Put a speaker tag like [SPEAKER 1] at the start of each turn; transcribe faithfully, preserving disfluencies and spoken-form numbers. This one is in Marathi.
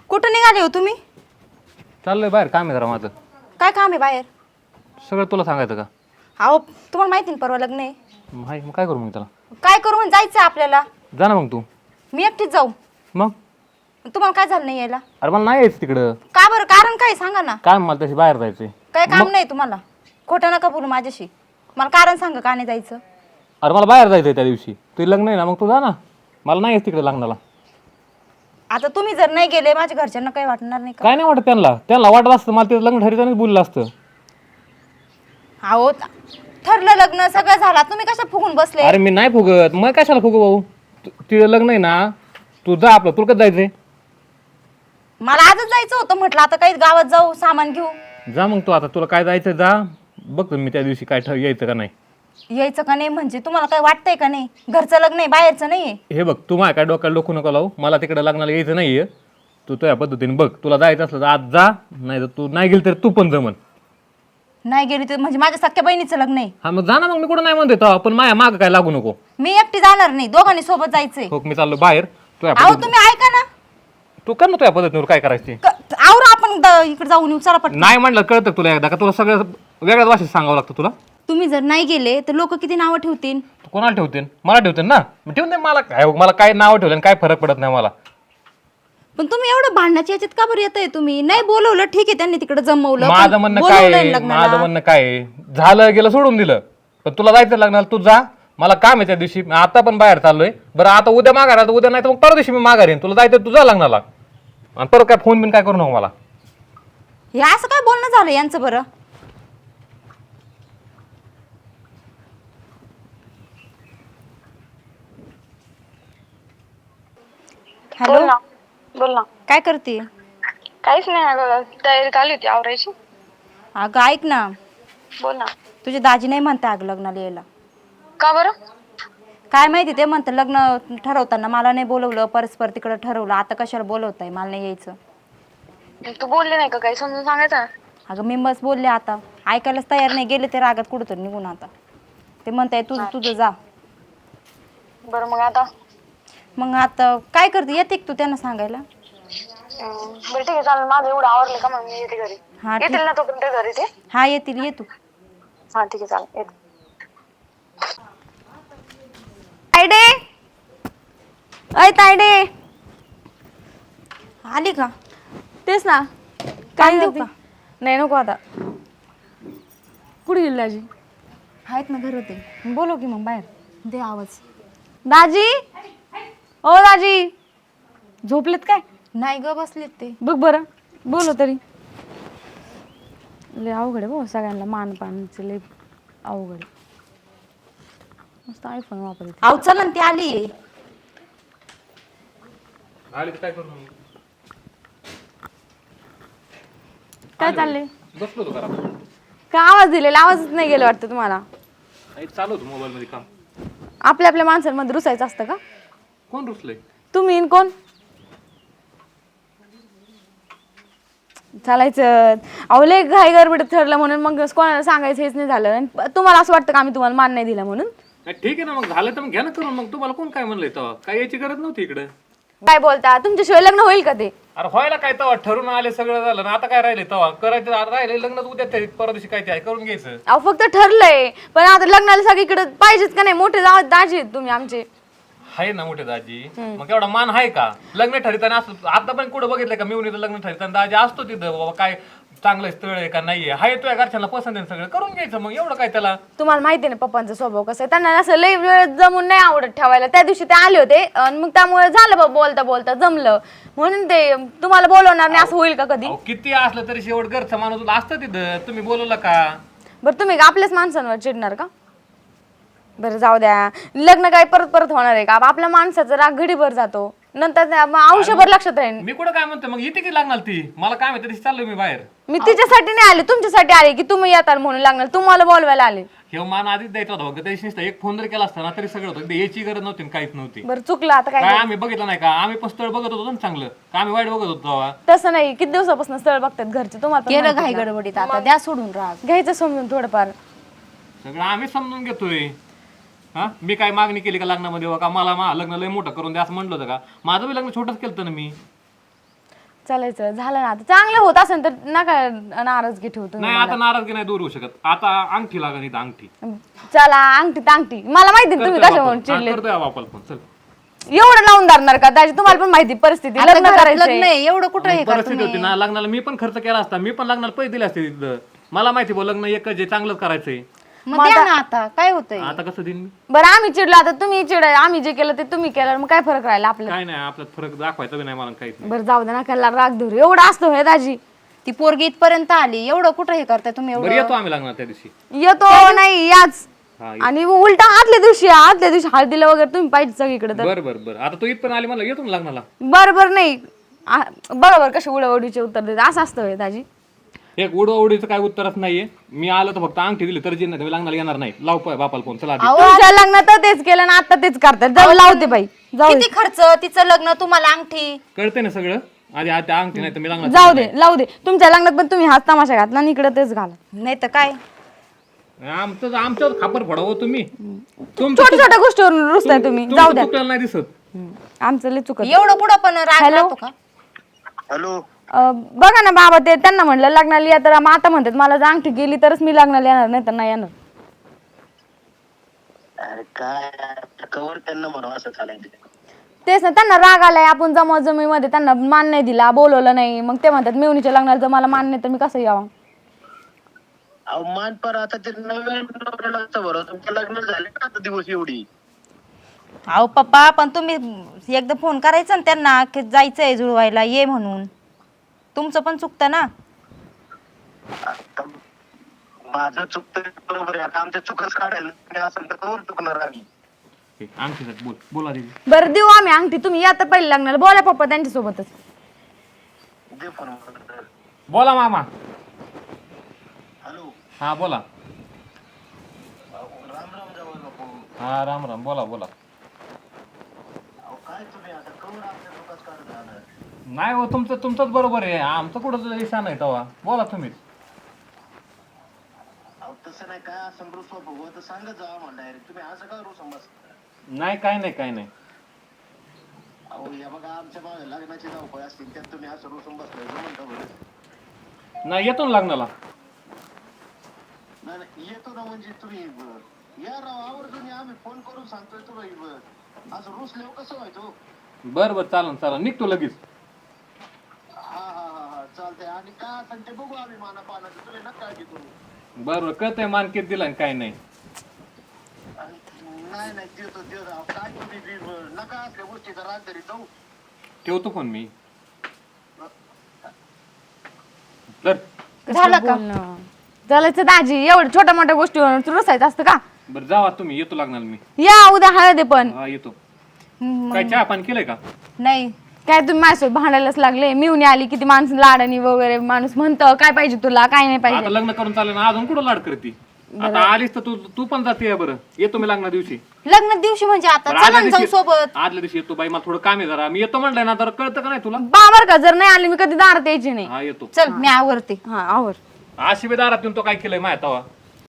[SPEAKER 1] कुठं निघाले हो तुम्ही?
[SPEAKER 2] चाललंय बाहेर काम आहे जरा माझं.
[SPEAKER 1] काय काम आहे बाहेर?
[SPEAKER 2] सगळं तुला सांगायचं का?
[SPEAKER 1] अहो तुम्हाला माहिती ना परवा लग्न आहे.
[SPEAKER 2] माही मग काय करू मी त्याला?
[SPEAKER 1] काय करू म्हणून जायचं आपल्याला?
[SPEAKER 2] जा ना मग तू.
[SPEAKER 1] मी एकटीच जाऊ.
[SPEAKER 2] मग
[SPEAKER 1] तुम्हाला काय झालं नाही यायला?
[SPEAKER 2] अरे मला नाही यायचं तिकडं.
[SPEAKER 1] का बरं? कारण काय सांगा ना.
[SPEAKER 2] काय मला तशी बाहेर जायचंय.
[SPEAKER 1] काय काम नाही तुम्हाला? खोटं नका बोलू माझ्याशी. मला कारण सांगा का नाही जायचं?
[SPEAKER 2] अरे मला बाहेर जायचंय त्या दिवशी. तुझं लग्न आहे ना, मग तू जा ना. मला नाही यायचं तिकडे लग्नाला.
[SPEAKER 1] आता तुम्ही जर नाही गेले माझ्या घरच्यांना काही वाटणार नाही का?
[SPEAKER 2] काय नाही वाटत त्यांना. त्यांना वाटत असतं मला तिथं लग्न ठरतानाच बोललं असतं.
[SPEAKER 1] अहो ठरलं लग्न सगळं झालं, तुम्ही कशा फुगून बसले?
[SPEAKER 2] अरे मी नाही फुगत. मग कशाला फुगू भाऊ? तु- तिथं लग्न आहे ना, तू जा आपलं. तुला कसं जायचंय?
[SPEAKER 1] मला आजच जायचं होतं. म्हटलं आता काही गावात जाऊ, सामान घेऊ.
[SPEAKER 2] जा मग तू. आता तुला काय जायचं जा. बघतो मी त्या दिवशी काय ठर यायचं का नाही.
[SPEAKER 1] यायचं का नाही म्हणजे तुम्हाला काय वाटतंय का नाही? घरचं लग्न आहे, बाहेरचं नाहीये.
[SPEAKER 2] हे बघ, तू माझ्या काय डोक्याला डोकू नको लावू. मला तिकडे लग्नाला यायचं नाहीये. तू तुझ्या पद्धतीने बघ. तुला जायचं असलं तर आज जा. नाही तर तू नाही गेली तर तू पण जमन.
[SPEAKER 1] नाही गेली तर म्हणजे माझ्या सख्या बहिणीचं लग्न आहे.
[SPEAKER 2] हा मग जा ना. मग मी कुठं नाही म्हणते तेव्हा. पण माझ्या मागं काय लागू नको.
[SPEAKER 1] मी एकटी जाणार नाही, दोघांनी सोबत जायचंय.
[SPEAKER 2] हो मी चाललो बाहेर. तुझ्या
[SPEAKER 1] अहो
[SPEAKER 2] पद्धतीने
[SPEAKER 1] तुम्ही ऐका ना.
[SPEAKER 2] तू कर ना तुझ्या पद्धतीवर काय करायची.
[SPEAKER 1] आवरा आपण द- इकडे जाऊन येऊ. चला पटकन.
[SPEAKER 2] नाही म्हणलं कळतं तुला एकदा का? तुला सगळं वेगळ्याच भाषेत सांगावं लागतं तुला.
[SPEAKER 1] तुम्ही जर नाही गेले तर लोक किती नावं ठेवतील.
[SPEAKER 2] तू कोणाला ठेवते? मला ठेवते ना. मग ठेवून दे. मला काय मला काय नाव ठेवलं काय फरक पडत नाही मला.
[SPEAKER 1] पण तुम्ही एवढं भांडण्याच्या याच्यात का बरं येतंय? तुम्ही नाही बोलवलं ठीक आहे, त्यांनी तिकडे जमवलं.
[SPEAKER 2] माझं
[SPEAKER 1] पण
[SPEAKER 2] म्हणणं
[SPEAKER 1] बोलवलंय
[SPEAKER 2] काय आहे,
[SPEAKER 1] लग्नाला.
[SPEAKER 2] माझं म्हणणं काय आहे, झालं गेलं सोडून दिलं. पण तुला जायचं लग्नाला तू जा. मला काम आहे त्या दिवशी. मी आता पण बाहेर चाललोय. बरं आता उद्या माघार आला उद्या नाही तर मग परवा दिवशी मी माघार येईन. तुला जायचं तुझा लग्नाला. आणि परत काय फोन बिन काय करू नको मला.
[SPEAKER 1] हे असं काय बोलणं झालं यांचं बरं?
[SPEAKER 3] बोल
[SPEAKER 1] हॅलो,
[SPEAKER 3] ना बोल ना.
[SPEAKER 1] काय करते?
[SPEAKER 3] काहीच नाही अगं, तयारी चालू होती आवरायची.
[SPEAKER 1] अगं ऐक ना,
[SPEAKER 3] बोल ना.
[SPEAKER 1] तुझे दाजी नाही म्हणता अगं लग्नाला यायला.
[SPEAKER 3] का बरं?
[SPEAKER 1] काय माहिती, ते म्हणतं लग्न ठरवताना मला नाही बोलवलं, परस्पर तिकडं ठरवलं, आता कशाला बोलवताय, मला नाही यायचं.
[SPEAKER 3] तू बोलले नाही का काही समजून सांगायचं ना.
[SPEAKER 1] अगं मी बस बोलले, आता ऐकायलाच तयार नाही. गेले ते रागात कुठं तर निघून. आता ते म्हणताय तुझं तुझं जा.
[SPEAKER 3] बरं मग आता
[SPEAKER 1] मग आता काय करते? येते का तू त्यांना सांगायला?
[SPEAKER 3] अं, बरं ठीक आहे चालेल. माझं एवढं आवडलं का मग मी येते घरी.
[SPEAKER 1] हा ठीक.
[SPEAKER 3] येतील ना तोपर्यंत घरी ते?
[SPEAKER 1] हा येतील, ये तू.
[SPEAKER 3] हा ठीक आहे चालेल येते.
[SPEAKER 1] तायडे, अय तायडे, आली का?
[SPEAKER 4] तेच ना.
[SPEAKER 1] काय देऊ का?
[SPEAKER 4] नाही नको आता. कुठे गेली दाजी?
[SPEAKER 1] आहेत ना, घर होते. बोलव की मग बाहेर. दे आवाज.
[SPEAKER 4] दाजी, ओ दाजी, झोपलेत काय?
[SPEAKER 1] नाही ग, बसलेत ते.
[SPEAKER 4] बघ बरं, बोलो तरी. लय अवघड आहे भाऊ, सगळ्यांना मान पानचं लय अवघड आहे. मस्त आयफोन वापरते.
[SPEAKER 1] अहो चल ना, ती आली.
[SPEAKER 2] आली काय करू?
[SPEAKER 4] काय चाललंय?
[SPEAKER 2] बसलो होतो करा.
[SPEAKER 4] काय आवाज दिलेला? आवाजच नाही गेला वाटतं तुम्हाला.
[SPEAKER 2] चालू होतं मोबाईल मध्ये काम.
[SPEAKER 4] आपल्या आपल्या माणसांमध्ये रुसायचं असतं का?
[SPEAKER 2] कोण रुसलंय?
[SPEAKER 4] तुम्ही इन कोण? चालायचं. अहो लय घाई गडबडीत ठरलं म्हणून मग कोणाला सांगायचं हेच नाही झालं. आणि तुम्हाला असं वाटतं का आम्ही तुम्हाला मान नाही दिला म्हणून?
[SPEAKER 2] ठीक आहे ना, मग झालं तर मग घ्या ना करून. मग तुम्हाला कोण काय म्हणलंय तेव्हा? काय याची गरज नव्हती इकडे.
[SPEAKER 4] काय बोलता? तुमच्याशिवाय लग्न होईल का ते?
[SPEAKER 2] अरे व्हायला काय तेव्हा ठरून आले सगळं झालं ना. आता काय राहिले तेव्हा करायचं? आता राहिले लग्न उद्या तरी परवा दिवशी काय ते आहे करून घ्यायचं.
[SPEAKER 4] अहो फक्त ठरलंय, पण आता लग्नाला सगळीकडे पाहिजेच का नाही? मोठे जाव दाजी आहेत तुम्ही आमचे.
[SPEAKER 2] आहे ना मोठे दाजी. मग एवढा मान आहे का? लग्न ठरताना असतो. आता पण कुठं बघितलंय का मिळून लग्न ठरताना दाजी असतो तिथं. बाबा काय चांगलं स्थळ आहे का नाहीये, हाय तुझ्या घरच्यांना पसंत आहे सगळं करून घ्यायचं. मग एवढं काय त्याला?
[SPEAKER 4] तुम्हाला माहिती आहे ना पप्पांचा स्वभाव कसा आहे. त्यांना असं लई वेळ जमून नाही आवडत ठेवायला. त्या दिवशी ते आले होते आणि मग त्यामुळे झालं बाबा, बोलता बोलता जमलं म्हणून ते तुम्हाला बोलवणार नाही असं होईल का कधी?
[SPEAKER 2] अहो, किती असलं तरी शेवट घरचं माणूस असतं तिथं. तुम्ही बोलवलं का?
[SPEAKER 4] बरं तुम्ही का आपल्याच माणसांवर चिडणार का? बरं जाऊ द्या. लग्न काय परत परत होणार आहे का? आपल्या माणसाचा राग घडीभर जातो, नंतर आयुष्यभर लक्षात राहील.
[SPEAKER 2] मी कुठं काय म्हणतो मग इथे की लागणार ती मला काय माहिती तशी चाललोय मी बाहेर.
[SPEAKER 4] मी तिच्यासाठी नाही आले, तुमच्यासाठी आले की तुम्ही येताल म्हणून लागणार. तुम्हाला बोलवायला आले.
[SPEAKER 2] हे मान आधीच द्यायचा होता बघ. त्याची नुसतं एक फोन जर केला असता ना तरी सगळं होतं. याची गरज नव्हती आणि काहीच नव्हती.
[SPEAKER 4] बरं चुकलं आता काय?
[SPEAKER 2] काय आम्ही बघितलं नाही का? आम्ही पण स्थळ बघत होतो ना चांगलं का? आम्ही वाईट बघत होतो तेव्हा?
[SPEAKER 4] तसं नाही. किती दिवसापासून स्थळ बघतात घरचे तुम्हाला पण
[SPEAKER 1] केलं
[SPEAKER 4] माहिती
[SPEAKER 1] घाई
[SPEAKER 4] ना.
[SPEAKER 1] गडबडीत, आता द्या सोडून राग.
[SPEAKER 4] घ्यायचं समजून थोडंफार.
[SPEAKER 2] सगळं आम्ही समजून घेतोय. हा मी काय मागणी केली का लग्नामध्ये? का मला मा लग्न लय मोठं करून द्या असं म्हणलं होतं का? माझं बी लग्न छोटंच केलं ना मी.
[SPEAKER 4] चालायचं झालं ना आता चांगलं होत असेल तर नका नाराजगी ठेवतो
[SPEAKER 2] नाही आता नाराजगी नाही दूर होऊ शकत. आता अंगठी लागा नाही अंगठी
[SPEAKER 4] चला अंगठी अंगठी मला माहिती आहे तुम्ही कशा म्हणून चिडले
[SPEAKER 2] करतोय बापाला फोन. चल
[SPEAKER 4] एवढं लावून धरणार का त्याची तुम्हाला पण माहिती परिस्थिती
[SPEAKER 1] आता
[SPEAKER 4] लग्न
[SPEAKER 1] घरात
[SPEAKER 4] करायचं
[SPEAKER 1] लग्न आहे एवढं कुठं हे
[SPEAKER 2] परिस्थिती होती ना लग्नाला मी पण खर्च केला असता. मी पण लग्नाला पैसे दिले असते तिथं. मला माहिती बो लग्न एकच आहे चांगलंच करायचंय.
[SPEAKER 1] मग द्या ना आता काय होतंय.
[SPEAKER 2] आता कसं देईन मी?
[SPEAKER 4] बरं आम्ही चिडलो आता तुम्ही चिड आम्ही जे केलं ते तुम्ही केलं मग काय फरक राहिला आपल्याला
[SPEAKER 2] काय नाही आपल्यात फरक दाखवायचा बी नाही मला काहीच नाही.
[SPEAKER 4] बरं जाऊ दे ना त्याला राग धरू एवढं असतं होय दाजी
[SPEAKER 1] ती पोरगी इथपर्यंत आली एवढं कुठं हे करताय तुम्ही
[SPEAKER 2] बरं
[SPEAKER 1] एवढं
[SPEAKER 2] येतो आम्ही लग्नाला त्या दिवशी.
[SPEAKER 4] येतो नाही याच
[SPEAKER 2] हा
[SPEAKER 4] आणि उलटा आदल्या दिवशी आदल्या दिवशी हळदीला वगैरे तुम्ही पाहिजे सगळीकडे तर
[SPEAKER 2] बरं बरं बरं आता तू इथपर्यंत आली मला येतो ना लग्नाला.
[SPEAKER 4] बरोबर नाही आ- बरोबर कशी उडवडीचे उत्तर देते असं असतं होय दाजी
[SPEAKER 2] एक उडवाउडीचं काय उत्तरच नाहीये. मी आलो तर फक्त अंगठी दिली तर जे नाही लग्नाला येणार नाही. लाव पाय बापाला फोन. चला आधी.
[SPEAKER 4] तुमच्या लग्नात तर तेच केलं ना आता तेच करतात जाऊ लावते बाई जाऊ दे
[SPEAKER 1] किती खर्च तिचं लग्न तुम्हाला अंगठी
[SPEAKER 2] कळतंय ना सगळं. आधी आधी अंगठी नाही तर मी लग्नाला
[SPEAKER 4] जाऊ दे लावू दे तुमच्या लग्नात पण तुम्ही हाच तमाशा घातला आणि इकडे तेच घाला
[SPEAKER 1] नाही तर काय
[SPEAKER 2] आमचं आमच्यावर खापर फोडावं तुम्ही. तुमचं
[SPEAKER 4] छोट्या छोट्या गोष्टीवरून रुसताय तुम्ही जाऊ
[SPEAKER 2] तुमचं
[SPEAKER 4] द्या
[SPEAKER 2] चुकलेलं नाही दिसत.
[SPEAKER 4] हम्म. आमचं लय चुकत
[SPEAKER 1] एवढं कुठं पण राग राहतो का.
[SPEAKER 5] हॅलो
[SPEAKER 4] अं, बघा ना बाबा ते त्यांना म्हणलं लग्नाला या तर मग आता म्हणतात मला जर अंगठी गेली तरच मी लग्नाला येणार नाही तर नाही येणार
[SPEAKER 5] अरे काय कवर त्यांना म्हणून असं चालायचं.
[SPEAKER 4] तेच ना त्यांना राग आलाय आपण जमा जमीमध्ये त्यांना मान नाही दिला बोलवलं नाही मग ते म्हणतात मेवणीच्या लग्नाला जर मला मान नाही तर मी कसं यावं
[SPEAKER 5] अहो मान पर आता ते नवीन नवऱ्याला असतं बरं तुमचं लग्न झाले का आता दिवस एवढी.
[SPEAKER 1] अहो पप्पा पण तुम्ही एकदा फोन करायचा ना त्यांना की जायचंय जुळवायला ये म्हणून. तुमचं पण चुकतं ना.
[SPEAKER 5] आता माझं चुकतं बरोबर आहे. आता आमच्या चुकच काढायला मी असं तर कवर चुकणार आम्ही.
[SPEAKER 2] अंगठी बोल बोला दीदी.
[SPEAKER 4] बरं देऊ आम्ही अंगठी तुम्ही या तर पहिले लग्नाला बोला पप्पा त्यांच्यासोबतच
[SPEAKER 5] दे फोन.
[SPEAKER 2] बोला मामा.
[SPEAKER 5] हॅलो
[SPEAKER 2] हा बोला.
[SPEAKER 5] राम राम जावं नको.
[SPEAKER 2] हा राम राम बोला बोला.
[SPEAKER 5] अहो काय तुम्ही आता कवर आमच्या चुकच काढत राहणार.
[SPEAKER 2] नाही हो तुमचं तुमचंच बरोबर आहे. आमचं कुठं इशा नाही तेव्हा बोला तुम्हीच.
[SPEAKER 5] अहो तसं नाही काय असं रुसवा बघू तर सांगत जावा म्हणा डायरेक्ट. तुम्ही असं काय रुसवा बस.
[SPEAKER 2] नाही काय नाही काय नाही.
[SPEAKER 5] अहो या बघा आमच्या मागे लग्नाची धावपळ असतील त्यात तुम्ही असं रुसून बसलाय म्हणता बरं.
[SPEAKER 2] नाही येतो ना लग्नाला.
[SPEAKER 5] नाही नाही येतो ना म्हणजे तुम्ही ब- या राव आवर्जून या. आम्ही फोन करून सांगतोय तुला ब- असं रुसल्यावर कसं व्हायचो.
[SPEAKER 2] बरं बरं चालन चालन निघतो लगेच.
[SPEAKER 5] हा हा हा हा चालतंय. आणि काय असेल ते बघू आम्ही माना पानाचं. तुम्ही नका काळजी करू.
[SPEAKER 2] बरं बरं कळतंय मानकीत दिला आणि काय नाही.
[SPEAKER 5] आणि नाही नाही देतो देतो राव. काय तुम्ही बी ब- नका असल्या गोष्टीचा राग तरी जाऊ.
[SPEAKER 2] ठेवतो फोन मी. तर
[SPEAKER 1] झालं का
[SPEAKER 4] बोलणं. चालायचं दाजी एवढं छोट्या मोठ्या गोष्टीवर रुसायचं असतं का
[SPEAKER 2] बरं जावा तुम्ही येतो लग्नाला मी.
[SPEAKER 4] या उद्या हळद आहे पण
[SPEAKER 2] हा येतो.
[SPEAKER 1] हम्म,
[SPEAKER 2] काय चहा पाणी केलंय का?
[SPEAKER 1] नाही
[SPEAKER 4] काय तुम्ही माझ्यासोबत भांडायलाच लागले मिळून आली किती माणूस लाडानी वगैरे माणूस म्हणतं काय पाहिजे तुला काय नाही
[SPEAKER 2] आता
[SPEAKER 4] पाहिजे
[SPEAKER 2] लग्न करून चालेल ना अजून कुठं लाड करते. आता आलीस तर तू तू पण जाते बरं. येतो मी लग्ना दिवशी.
[SPEAKER 1] लग्न दिवशी म्हणजे आता
[SPEAKER 2] बरं,
[SPEAKER 1] चला
[SPEAKER 2] आदल्या
[SPEAKER 1] ना जाऊ
[SPEAKER 2] दिवशी
[SPEAKER 1] सोबत.
[SPEAKER 2] आदल्या दिवशी येतो बाई मला थोडं काम आहे जरा. मी येतो म्हणलंय ना तर कळतं का नाही तुला.
[SPEAKER 4] बाबर का जर नाही आली मी कधी दारात यायची नाही
[SPEAKER 2] हा येतो.
[SPEAKER 1] चल मी आवरते.
[SPEAKER 4] हा आवर
[SPEAKER 2] अशी बी दारात येऊन तो काय केलंय माहिती तवा.